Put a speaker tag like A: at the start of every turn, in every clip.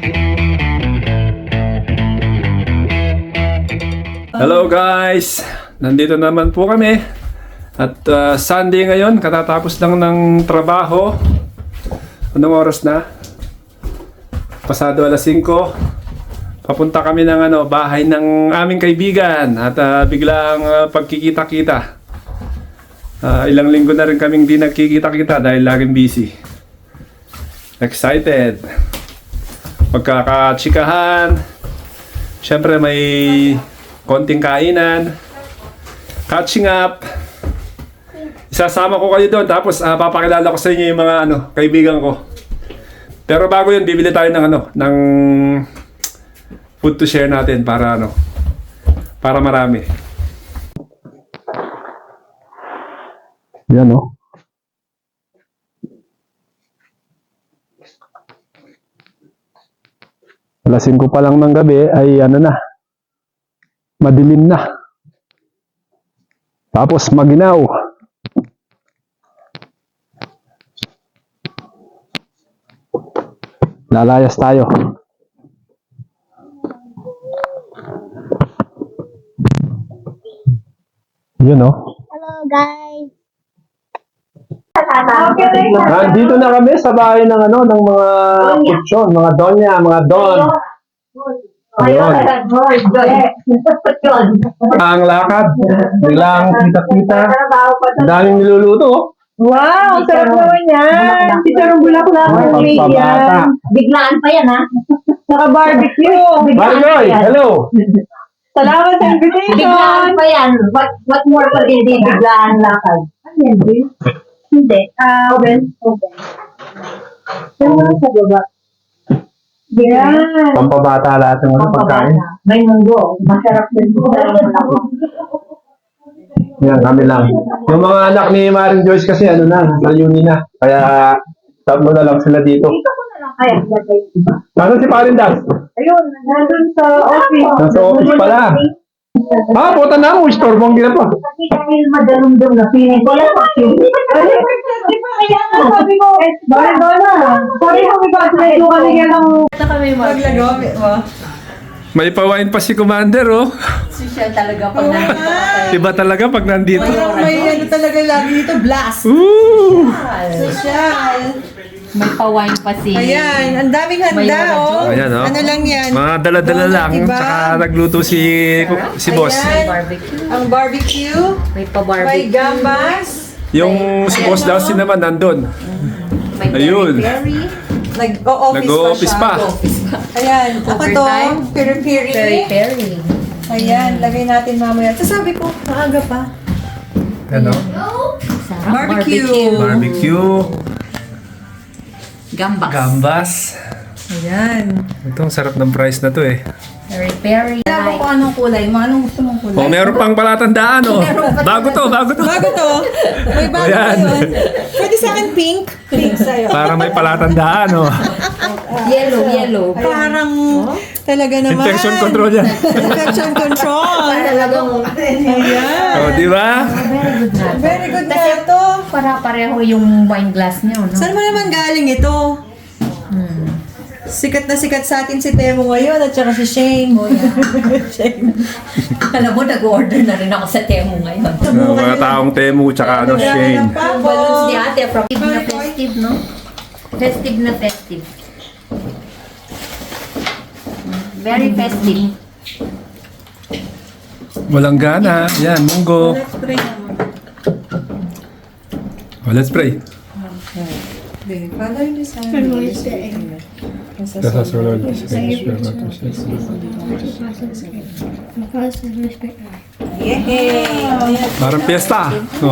A: Hello guys! Nandito naman po kami. At Sunday ngayon, katatapos lang ng trabaho. Anong oras na? Pasado alas 5. Papunta kami ng bahay ng aming kaibigan. At biglang pagkikita-kita. Ilang linggo na rin kaming di nagkikita-kita dahil laging busy. Excited! Magkakatsikahan. Siyempre may konting kainan, catching up. Isasama ko kayo doon, tapos papakilala ko sa inyo yung mga kaibigan ko. Pero bago yun, bibili tayo ng food to share natin para para marami. Yan Alas 5 pa lang ng gabi ay madilim na. Tapos maginaw. Lalayas tayo. Yun
B: Hello guys.
A: Nandito na kami sa bahay ng mga kutsyon, mga donya, mga don. Ayun. Ang lakad, biglang kita-kita. Ang daming niluluto.
C: Wow, sarap naman yan. Chicharong bulaklak.
A: Pagpabata.
B: Biglaan pa yan ha.
C: Naka-barbecue.
A: Barloy, hello.
C: Salamat sa invitation.
B: Biglaan pa yan. What more pa din di biglaan lakad? Ano yan, Bill? Hindi. Oven. Ano sa baba?
C: Yan.
A: Pampabata lahat ng pagkain.
B: May munggo. Masarap din po.
A: Yan, kami lang. Yung mga anak ni Maring Joyce kasi na-uni na. Kaya tatlo na lang sila dito.
B: Dito ko na lang kaya.
A: Nasaan si Paring Das?
C: Ayun, nandun sa office.
A: Nasa office pala. Puta na ako. Istorbong din pa.
B: Kasi dahil madalumdum na feeling ko lang.
C: Di ba kaya nga sabi ko, bakit ba na? Sorry, kami ba? Medyo kami yan ang maglagawa mo.
A: May pawain pa si Commander,
B: Social talaga pag nandito.
A: Iba talaga pag nandito.
C: May talaga lagi dito, blast.
A: Ooh!
C: Social.
D: May pa-wine pa si...
C: Ayan, ang daming handa,
A: Ayan,
C: Ano lang yan?
A: Mga dala-dala lang.
C: Diba?
A: Tsaka nagluto si boss.
C: Ayan.
D: Barbecue.
C: Ang barbecue,
D: May
C: may
D: pa-barbecue.
C: gambas,
A: Yung si boss daw naman nandun.
D: May
A: Ayun.
D: peri-peri.
C: nag-o-office
A: Nag-o-office pa.
C: Ayan, ako to,
D: Overtime.
C: piri-piri.
D: Peri-peri.
C: Ayan, lagay natin mamaya. Sasabi ko, maaga pa.
A: Ano?
D: Sarap.
C: Barbecue.
A: Barbecue.
D: Gambas.
A: Gambas.
C: Ayan.
A: Ito, ang sarap ng price na to
D: Peri-peri.
C: Alam ko anong kulay mo. Anong gusto mong kulay?
A: Meron pang palatandaan, Bago to.
C: Bago to. May bago
A: Ayan.
C: yun. Pwede sa akin pink. Pink sa'yo.
A: Para may palatandaan,
D: Yellow.
C: Parang talaga naman.
A: Infection control yan.
C: Infection control.
D: Talagang...
C: Ayan.
A: Di ba?
D: Very good na.
C: Very good na
D: Kasi
C: ito.
D: para-pareho yung wine glass niyo, no?
C: Saan mo naman galing ito? Sikat na sikat sa atin si Temo ngayon at saka si Shane. Shane.
D: Alam mo, nag-order na rin ako sa Temu ngayon.
A: Mga taong Temu tsaka Shane.
C: Ang
D: Yung balloons ni
C: pako.
D: ate, from festive na festive, no? Festive na festive. Very festive.
A: Walang gana. Yan, munggo.
C: Let's pray naman.
A: Let's pray.
C: Okay. Father, in the Son, and the Holy Spirit. Amen.
A: Let us, O Lord,
C: Yay!
A: parang piyesta.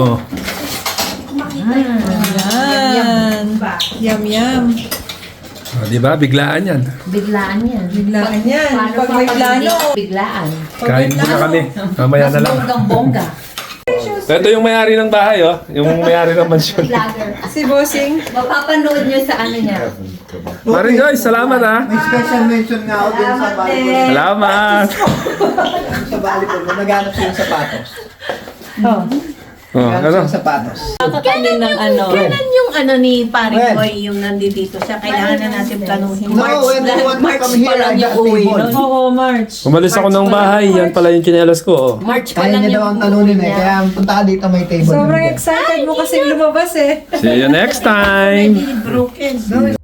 C: Yan. Yum, yum.
A: Di ba? Biglaan yan.
D: Biglaan yan.
C: Biglaan yan.
D: Paano
C: Pag
D: pa
C: may
D: pag
C: plano.
D: hindi Biglaan.
A: Kain muna kami. Mamaya
D: Mas
A: na lang.
D: bonggang-bongga.
A: Ito yung may-ari ng bahay, Yung may-ari ng mansyon.
D: Vlogger.
C: Si Bossing.
D: Mapapanood nyo sa ano niya.
A: Maring Joyce, salamat
E: May special mention nga ako dun sa volleyball.
A: Salamat!
E: Sa volleyball, naghanap siya yung sapatos.
C: Oh.
A: Oh, ano?
E: Sapatos.
C: Kakanin ng ano.
D: Kailan yung ano ni Paring
E: When?
D: Boy yung nandito siya? Kailangan na natin planuhin.
E: No, when you want to
C: March
E: come
C: pa
E: here,
C: lang
E: I
C: yung
E: got
C: uwi
E: table.
C: nun. Oo, March.
A: Umalis ako ng bahay, yan pala yung chinelas ko. Oh.
C: March pa
E: Kaya
C: lang
E: niya daw
C: yung
E: ang talunin
C: uwi
E: eh.
C: niya.
E: Kaya punta ka dito may table.
C: Sobrang excited mo kasi lumabas eh.
A: See you next time!
D: Broken.